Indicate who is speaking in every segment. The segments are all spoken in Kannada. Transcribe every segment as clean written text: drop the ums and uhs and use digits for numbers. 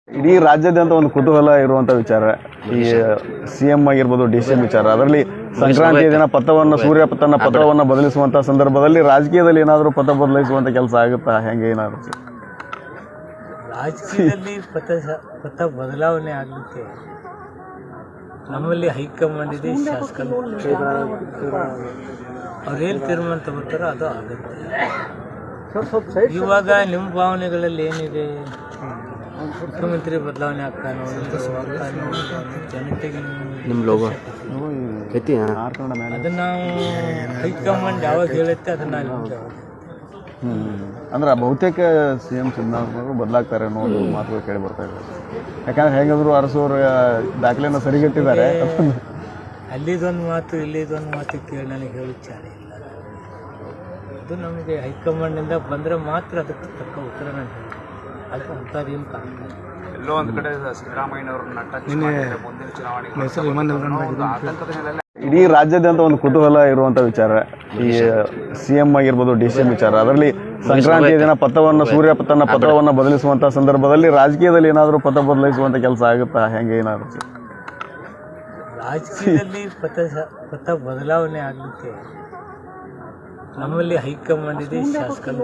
Speaker 1: ಇಡೀ ರಾಜ್ಯಾದ್ಯಂತ ಒಂದು ಕುತೂಹಲ ಇರುವಂತ ವಿಚಾರ ಈ ಸಿಎಂ ಆಗಿರ್ಬೋದು ಡಿಸಿಎಂ ವಿಚಾರ. ಅದರಲ್ಲಿ ಸಂಕ್ರಾಂತಿಯ ದಿನ ಸೂರ್ಯ ತನ್ನ ಪಥವನ್ನು ಬದಲಿಸುವಂತ ಸಂದರ್ಭದಲ್ಲಿ ರಾಜಕೀಯದಲ್ಲಿ ಏನಾದರೂ ಪಥ ಬದಲಿಸುವಂತ ಕೆಲಸ ಆಗುತ್ತಾ, ಹೆಂಗೆ ಏನಾದ್ರು?
Speaker 2: ರಾಜಕೀಯದಲ್ಲಿ ಪಥ ಬದಲಾವಣೆ ಆಗಲಿಕ್ಕೆ ನಮ್ಮಲ್ಲಿ ಹೈಕಮಾಂಡ್ ಇದೆ, ಶಾಸಕರು ಅವ್ರೇನು ತೀರ್ಮಾನ ತಗೋತಾರೋ ಅದು ಆಗುತ್ತೆ. ಇವಾಗ ನಿಮ್ಮ ಭಾವನೆಗಳಲ್ಲಿ ಏನಿದೆ, ಮುಖ್ಯಮಂತ್ರಿ ಬದಲಾವಣೆ ಆಗ್ತಾನೋ, ಜನತೆಗೆ ಅದನ್ನ ನಾವು ಹೈಕಮಾಂಡ್ ಯಾವಾಗ ಹೇಳುತ್ತೆ ಅದನ್ನ
Speaker 1: ಅಂದ್ರೆ ಬಹುತೇಕ ಸಿಎಂ ಸಿದ್ದರಾಮಯ್ಯ ಬದಲಾಗ್ತಾರೆ ಅನ್ನೋ ಒಂದು ಮಾತುಗಳು ಕೇಳಿ ಬರ್ತಾ ಇದೆ. ಯಾಕಂದ್ರೆ ಹೇಗಾದ್ರು ಅರಸೋರ ದಾಖಲೆಯನ್ನು ಸರಿಗಟ್ಟಿದ್ದಾರೆ.
Speaker 2: ಅಲ್ಲಿದೊಂದು ಮಾತು ಇಲ್ಲಿದೊಂದು ಮಾತು ಕೇಳಿ ನನಗೆ ಹೇಳುತ್ತಾರೆ ಇಲ್ಲ. ಅದು ನಮಗೆ ಹೈಕಮಾಂಡಿಂದ ಬಂದರೆ ಮಾತ್ರ ಅದಕ್ಕೆ ತಕ್ಕ ಉತ್ತರ ನಾನು ಹೇಳಿ ಅದು ಅಂಥದ್ದೇನು ಕಾಣ್ತಾರೆ.
Speaker 3: ಎಲ್ಲೋ ಒಂದು ಕಡೆ ಸಿದ್ದರಾಮಯ್ಯನವ್ರನ್ನ
Speaker 1: ಇಡೀ ರಾಜ್ಯಾದ್ಯಂತ ಒಂದು ಕುತೂಹಲ ಇರುವಂತ ವಿಚಾರ ಈ ಸಿಎಂ ಆಗಿರ್ಬೋದು ಡಿಸಿಎಂ ವಿಚಾರ. ಅದರಲ್ಲಿ ಸಂಕ್ರಾಂತಿಯ ದಿನ ಸೂರ್ಯ ತನ್ನ ಪಥವನ್ನು ಬದಲಿಸುವಂತ ಸಂದರ್ಭದಲ್ಲಿ ರಾಜಕೀಯದಲ್ಲಿ ಏನಾದರೂ ಪಥ ಬದಲಿಸುವಂತ ಕೆಲಸ ಆಗುತ್ತಾ, ಹೆಂಗೆ ಏನಾದ್ರು?
Speaker 2: ರಾಜಕೀಯದಲ್ಲಿ ಪಥ ಬದಲಾವಣೆ ಆಗಲಿಕ್ಕೆ ನಮ್ಮಲ್ಲಿ ಹೈಕಮಾಂಡ್ ಇದೆ, ಶಾಸಕರು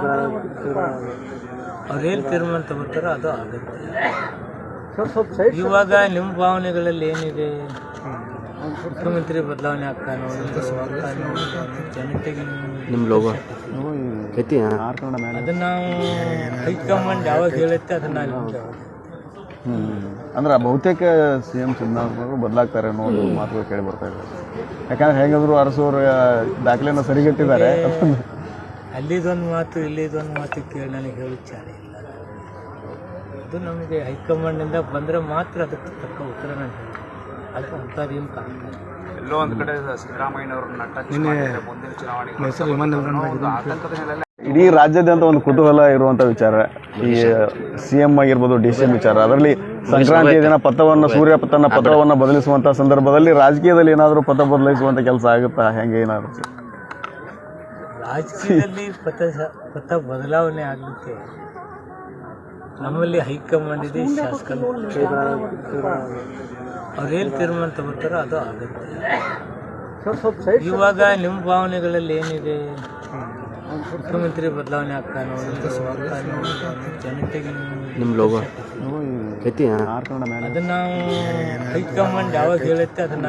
Speaker 2: ಅವ್ರೇನು ತೀರ್ಮಾನ ತಗೋತಾರೋ ಅದು ಆಗುತ್ತೆ. ಇವಾಗ ನಿಮ್ಮ ಭಾವನೆಗಳಲ್ಲಿ ಏನಿದೆ, ಮುಖ್ಯಮಂತ್ರಿ ಬದಲಾವಣೆ ಆಗ್ತಾನೋ, ಜನತೆಗೆ ಅದನ್ನ ನಾವು ಹೈಕಮಾಂಡ್ ಯಾವಾಗ ಹೇಳುತ್ತೆ ಅದನ್ನ
Speaker 1: ಅಂದ್ರೆ ಬಹುತೇಕ ಸಿಎಂ ಸಿದ್ದರಾಮಯ್ಯ ಬದಲಾಗ್ತಾರೆ ಅನ್ನೋ ಒಂದು ಮಾತುಗಳು ಕೇಳಿ ಬರ್ತಾ ಇದೆ. ಯಾಕಂದ್ರೆ ಹೇಗಾದ್ರು ಅರಸೋರ ದಾಖಲೆಯನ್ನು ಸರಿಗಟ್ಟಿದ್ದಾರೆ.
Speaker 2: ಅಲ್ಲಿದೊಂದು ಮಾತು ಇಲ್ಲಿದೊಂದು ಮಾತು ಕೇಳಿ ನನಗೆ ಹೇಳುತ್ತಾರೆ ಇಲ್ಲ. ಅದು ನಮಗೆ ಹೈಕಮಾಂಡಿಂದ ಬಂದರೆ ಮಾತ್ರ ಅದಕ್ಕೆ ತಕ್ಕ ಉತ್ತರ ನಾನು ಹೇಳಿ ಅದು ಅಂಥದ್ದೇನು ಕಾಣ್ತಾರೆ.
Speaker 3: ಎಲ್ಲೋ ಒಂದು ಕಡೆ ಸಿದ್ದರಾಮಯ್ಯನವ್ರನ್ನ
Speaker 1: ಇಡೀ ರಾಜ್ಯಾದ್ಯಂತ ಒಂದು ಕುತೂಹಲ ಇರುವಂತ ವಿಚಾರ ಈ ಸಿಎಂ ಆಗಿರ್ಬೋದು ಡಿಸಿಎಂ ವಿಚಾರ. ಅದರಲ್ಲಿ ಸಂಕ್ರಾಂತಿಯ ದಿನ ಸೂರ್ಯ ತನ್ನ ಪಥವನ್ನು ಬದಲಿಸುವಂತ ಸಂದರ್ಭದಲ್ಲಿ ರಾಜಕೀಯದಲ್ಲಿ ಏನಾದರೂ ಪಥ ಬದಲಿಸುವಂತ ಕೆಲಸ ಆಗುತ್ತಾ, ಹೆಂಗೆ ಏನಾದ್ರು?
Speaker 2: ರಾಜಕೀಯದಲ್ಲಿ ಪಥ ಬದಲಾವಣೆ ಆಗಲಿಕ್ಕೆ ನಮ್ಮಲ್ಲಿ ಹೈಕಮಾಂಡ್ ಇದೆ, ಶಾಸಕರು ಅವ್ರೇನು ತೀರ್ಮಾನ ತಗೋತಾರೋ ಅದು ಆಗುತ್ತೆ. ಇವಾಗ ನಿಮ್ಮ ಭಾವನೆಗಳಲ್ಲಿ ಏನಿದೆ, ಮುಖ್ಯಮಂತ್ರಿ ಬದಲಾವಣೆ ಆಗ್ತಾನೋ, ಜನತೆಗೆ ಅದನ್ನ ನಾವು ಹೈಕಮಾಂಡ್ ಯಾವಾಗ ಹೇಳುತ್ತೆ ಅದನ್ನ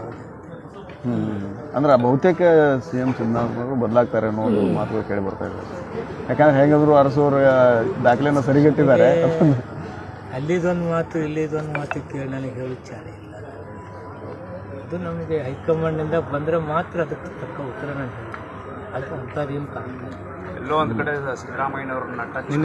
Speaker 1: ಅಂದ್ರೆ ಬಹುತೇಕ ಸಿಎಂ ಸಿದ್ದರಾಮಯ್ಯ ಬದಲಾಗ್ತಾರೆ ಅನ್ನೋ ಒಂದು ಮಾತುಗಳು ಕೇಳಿ ಬರ್ತಾ ಇದೆ. ಯಾಕಂದ್ರೆ ಹೇಗಾದ್ರು ಅರಸೋರ ದಾಖಲೆಯನ್ನು ಸರಿಗಟ್ಟಿದ್ದಾರೆ.
Speaker 2: ಅಲ್ಲಿದೊಂದು ಮಾತು ಇಲ್ಲಿದೊಂದು ಮಾತು ಕೇಳಿ ನನಗೆ ಹೇಳುತ್ತಾರೆ ಇಲ್ಲ. ಅದು ನಮಗೆ ಹೈಕಮಾಂಡಿಂದ ಬಂದರೆ ಮಾತ್ರ ಅದಕ್ಕೆ ತಕ್ಕ ಉತ್ತರ ನಾನು ಹೇಳಿ ಅದು ಅಂಥದ್ದೇನು ಕಾಣ್ತಾರೆ.
Speaker 3: ಎಲ್ಲೋ ಒಂದು ಕಡೆ ಸಿದ್ದರಾಮಯ್ಯನವ್ರನ್ನ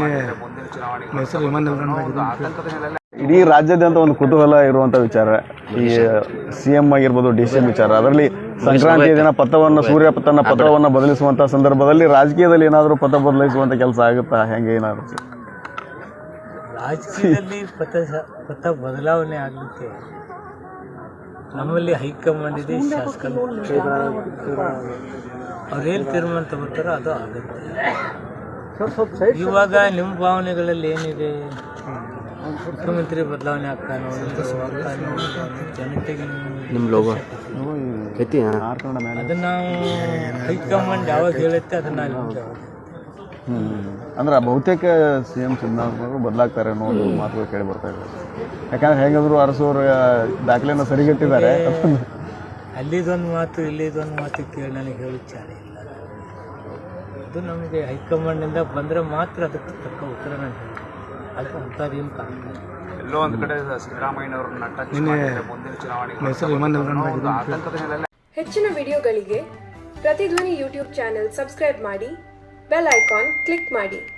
Speaker 1: ಇಡೀ ರಾಜ್ಯಾದ್ಯಂತ ಒಂದು ಕುತೂಹಲ ಇರುವಂತ ವಿಚಾರ ಈ ಸಿಎಂ ಆಗಿರ್ಬೋದು ಡಿಸಿಎಂ ವಿಚಾರ. ಅದರಲ್ಲಿ ಸಂಕ್ರಾಂತಿಯ ದಿನ ಸೂರ್ಯ ತನ್ನ ಪಥವನ್ನು ಬದಲಿಸುವಂತ ಸಂದರ್ಭದಲ್ಲಿ ರಾಜಕೀಯದಲ್ಲಿ ಏನಾದರೂ ಪಥ ಬದಲಿಸುವಂತ ಕೆಲಸ ಆಗುತ್ತಾ, ಹೆಂಗೆ ಏನಾದ್ರು?
Speaker 2: ರಾಜಕೀಯದಲ್ಲಿ ಪಥ ಬದಲಾವಣೆ ಆಗಲಿಕ್ಕೆ ನಮ್ಮಲ್ಲಿ ಹೈಕಮಾಂಡ್ ಇದೆ, ಶಾಸಕರು ಅವ್ರೇನು ತೀರ್ಮಾನ ತಗೋತಾರೋ ಅದು ಆಗುತ್ತೆ. ಇವಾಗ ನಿಮ್ಮ ಭಾವನೆಗಳಲ್ಲಿ ಏನಿದೆ, ಮುಖ್ಯಮಂತ್ರಿ ಬದಲಾವಣೆ ಆಗ್ತಾನೋ, ಜನತೆಗೆ ಅದನ್ನ ನಾವು ಹೈಕಮಾಂಡ್ ಯಾವಾಗ ಹೇಳುತ್ತೆ ಅದನ್ನ
Speaker 1: ಅಂದ್ರೆ ಬಹುತೇಕ ಸಿಎಂ ಸಿದ್ದರಾಮಯ್ಯ ಬದಲಾಗ್ತಾರೆ ಅನ್ನೋ ಒಂದು ಮಾತುಗಳು ಕೇಳಿ ಬರ್ತಾ ಇದೆ. ಯಾಕಂದ್ರೆ ಹೇಗಾದ್ರು ಅರಸೋರ ದಾಖಲೆಯನ್ನು ಸರಿಗಟ್ಟಿದ್ದಾರೆ.
Speaker 2: ಅಲ್ಲಿದೊಂದು ಮಾತು ಇಲ್ಲಿದೊಂದು ಮಾತು ಕೇಳಿ ನನಗೆ ಹೇಳುತ್ತಾರೆ ಇಲ್ಲ. ಅದು ನಮಗೆ ಹೈಕಮಾಂಡಿಂದ ಬಂದರೆ ಮಾತ್ರ ಅದಕ್ಕೆ ತಕ್ಕ ಉತ್ತರ ನಾನು ಹೇಳಿ ಅದು ಅಂಥದ್ದೇನು ಕಾಣ್ತಾರೆ.
Speaker 3: ಎಲ್ಲೋ ಒಂದು ಕಡೆ ಸಿದ್ದರಾಮಯ್ಯನವ್ರನ್ನ
Speaker 4: ಹೆಚ್ಚಿನ ವಿಡಿಯೋಗಳಿಗೆ ಪ್ರತಿಧ್ವನಿ ಯೂಟ್ಯೂಬ್ ಚಾನೆಲ್ ಸಬ್ಸ್ಕ್ರೈಬ್ ಮಾಡಿ, ಬೆಲ್ ಐಕಾನ್ ಕ್ಲಿಕ್ ಮಾಡಿ.